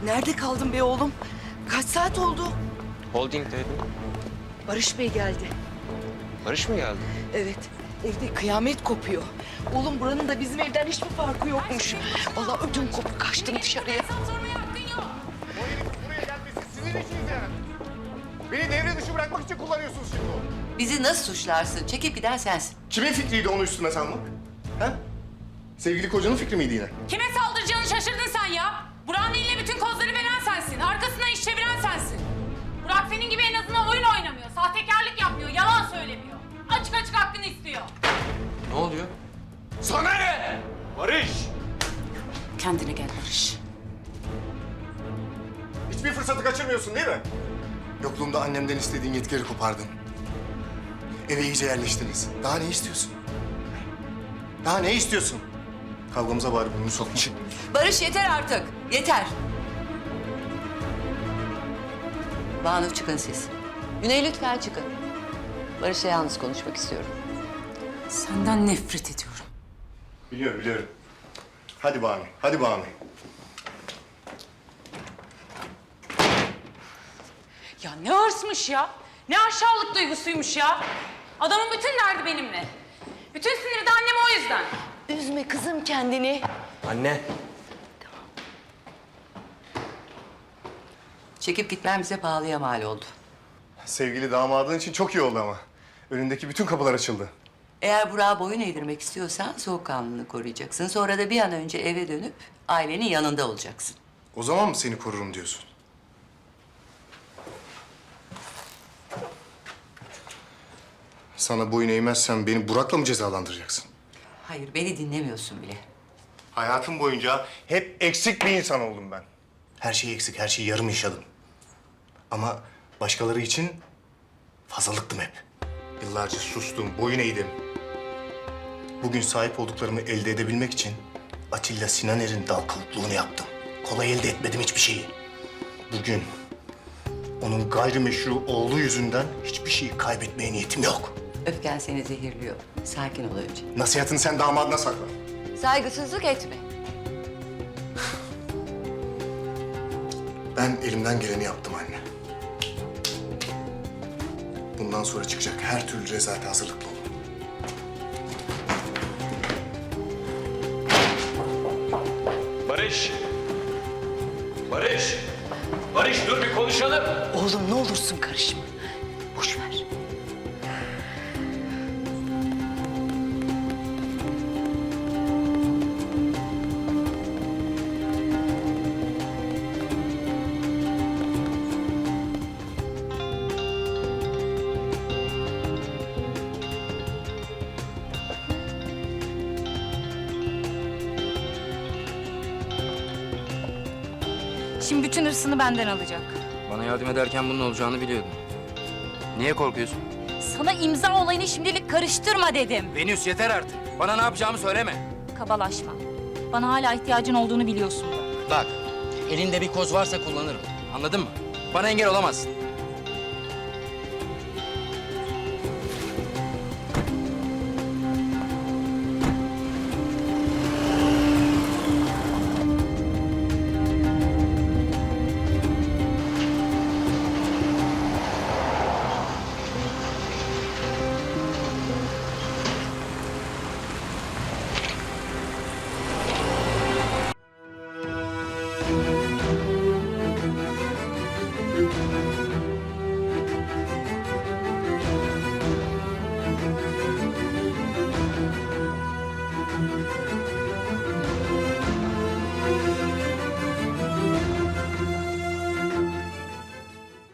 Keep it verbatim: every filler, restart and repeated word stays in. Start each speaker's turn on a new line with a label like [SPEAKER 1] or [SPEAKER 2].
[SPEAKER 1] Nerede kaldın be oğlum? Kaç saat oldu?
[SPEAKER 2] Holding'deydim.
[SPEAKER 1] Barış Bey geldi.
[SPEAKER 2] Barış mı geldi?
[SPEAKER 1] Evet, evde kıyamet kopuyor. Oğlum buranın da bizim evden hiçbir farkı yokmuş. Vallahi ödüm kopup kaçtım dışarıya.
[SPEAKER 3] O herifin buraya gelmesi sizin işiniz yani. Beni devre dışı bırakmak için kullanıyorsunuz şimdi onu.
[SPEAKER 4] Bizi nasıl suçlarsın? Çekip giden sensin.
[SPEAKER 3] Kimin fikriydi onu üstüne salmak? Ha? Sevgili kocanın fikri miydi yine?
[SPEAKER 5] Kime saldıracağını şaşırdın sen ya. Burak'ın eline bütün kozları veren sensin. Arkasından iş çeviren sensin. Burak senin gibi en azından oyun oynamıyor. Sahtekarlık yapmıyor, yalan söylemiyor. Açık açık hakkını istiyor.
[SPEAKER 2] Ne oluyor?
[SPEAKER 3] Sana ne? Barış!
[SPEAKER 5] Kendine gel Barış.
[SPEAKER 3] Hiçbir fırsatı kaçırmıyorsun değil mi? Yokluğumda annemden istediğin yetkileri kopardın. Eve iyice yerleştiniz. Daha ne istiyorsun? Daha ne istiyorsun? Kavgamıza bari burnunu sokma.
[SPEAKER 4] Barış yeter artık. Yeter. Banu çıkın siz. Güney lütfen çıkın. Barış'la yalnız konuşmak istiyorum.
[SPEAKER 5] Senden nefret ediyorum.
[SPEAKER 3] Biliyorum, biliyorum. Hadi Banu, hadi Banu.
[SPEAKER 5] Ya ne hırsmış ya. Ne aşağılık duygusuymuş ya. Adamın bütün derdi benimle. Bütün siniri de annem o yüzden.
[SPEAKER 1] Üzme kızım kendini.
[SPEAKER 2] Anne.
[SPEAKER 4] Çekip gitmem bize pahalıya mal oldu.
[SPEAKER 3] Sevgili damadın için çok iyi oldu ama. Önündeki bütün kapılar açıldı.
[SPEAKER 4] Eğer Burak'a boyun eğdirmek istiyorsan soğukkanlılığını koruyacaksın. Sonra da bir an önce eve dönüp ailenin yanında olacaksın.
[SPEAKER 3] O zaman mı seni korurum diyorsun? Sana boyun eğmezsem beni Burak'la mı cezalandıracaksın?
[SPEAKER 4] Hayır, beni dinlemiyorsun bile.
[SPEAKER 3] Hayatım boyunca hep eksik bir insan oldum ben. Her şey eksik, her şeyi yarım yaşadım. Ama başkaları için fazlalıktım hep. Yıllarca sustum, boyun eğdim. Bugün sahip olduklarımı elde edebilmek için Atilla Sinaner'in dal kılıklığını yaptım. Kolay elde etmedim hiçbir şeyi. Bugün onun gayrimeşru oğlu yüzünden hiçbir şeyi kaybetmeye niyetim yok.
[SPEAKER 4] Öfken seni zehirliyor. Sakin ol önce.
[SPEAKER 3] Nasihatini sen damadına sakla.
[SPEAKER 4] Saygısızlık etme.
[SPEAKER 3] Ben elimden geleni yaptım anne. Bundan sonra çıkacak her türlü rezalete hazırlıklı olun.
[SPEAKER 2] Barış. Barış. Barış dur bir konuşalım.
[SPEAKER 1] Oğlum ne olursun karışma. Boş ver.
[SPEAKER 6] Şimdi bütün hırsını benden alacak.
[SPEAKER 7] Bana yardım ederken bunun olacağını biliyordum. Niye korkuyorsun?
[SPEAKER 6] Sana imza olayını şimdilik karıştırma dedim.
[SPEAKER 7] Venüs yeter artık. Bana ne yapacağımı söyleme.
[SPEAKER 6] Kabalaşma. Bana hala ihtiyacın olduğunu biliyorsun.
[SPEAKER 7] Bak, elinde bir koz varsa kullanırım. Anladın mı? Bana engel olamazsın.